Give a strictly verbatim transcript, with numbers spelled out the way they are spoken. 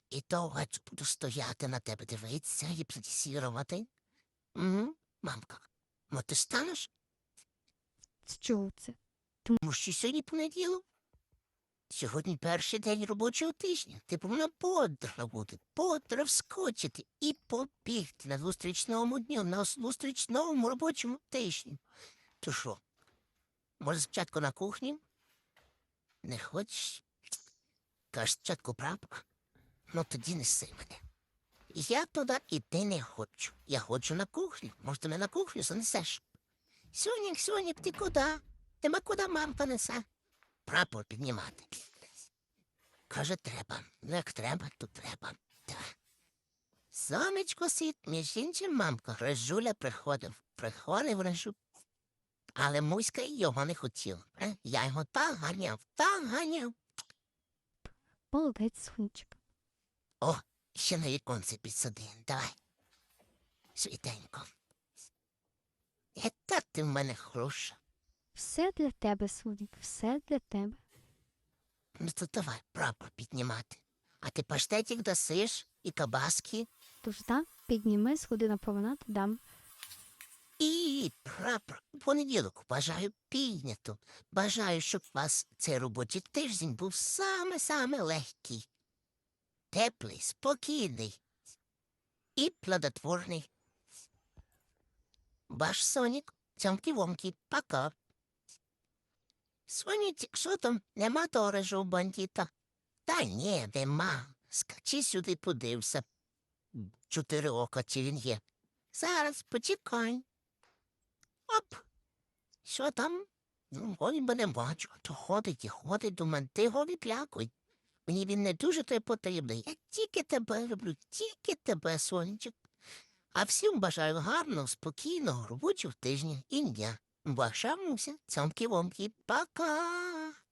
І довго буду стояти на тебе дивитися, гіпнотизувати. Угу, мамка. Мо ти станеш? З чого це? Тому що сьогодні понеділок. Сьогодні перший день робочого тижня. Ти повинна бодро бути, бодро вскочити і побігти на зустрічному дню, на зустрічному робочому тижні. То що, може спочатку на кухні? Не хочеш? Кажеш, спочатку прапор? Ну тоді неси мене. Я туди іти не хочу. Я хочу на кухню. Може, ти мене на кухню занесеш? Сонік, Сонік, ти куди? Тебе куди мамка несе? Прапор піднімати. Каже, треба. Ну, як треба, то треба. Так. Сонечко сить, між іншим, мамка, Режуля приходив. Приходив Режу. Але Муська його не хотів. Е? Я його так ганяв, так ганяв. Молодець, сонечко. О, ще на віконце підсади. Давай. Світенько. Яка ти в мене хороша. Все для тебе, сонік, все для тебе. Ну то давай прапор піднімати. А ти паштетик дасиш і кабаски, Тож да, підніми, сходи на променад, дам. і прапор. У понеділок бажаю піднято. Бажаю, щоб у вас цей робочий тиждень був саме-саме легкий, теплий, спокійний і плодотворний. Ваш Сонік, цьомкі-вомкі, пока. Сонік, що там, нема того режу бандіта? Та ні, нема. Скачи сюди, подився. Чотири ока, чи він є. Зараз, почекай. Оп. Що там? Ну, голі мене бачу, а то ходить і ходить, думаю, ти голі плякуй. Мені він не дуже той потрібний. Я тільки тебе люблю, тільки тебе, сонечок. А всім бажаю гарного, спокійного робочого тижня і дня. Ваша Муся, цьомкі-вомкі, пока!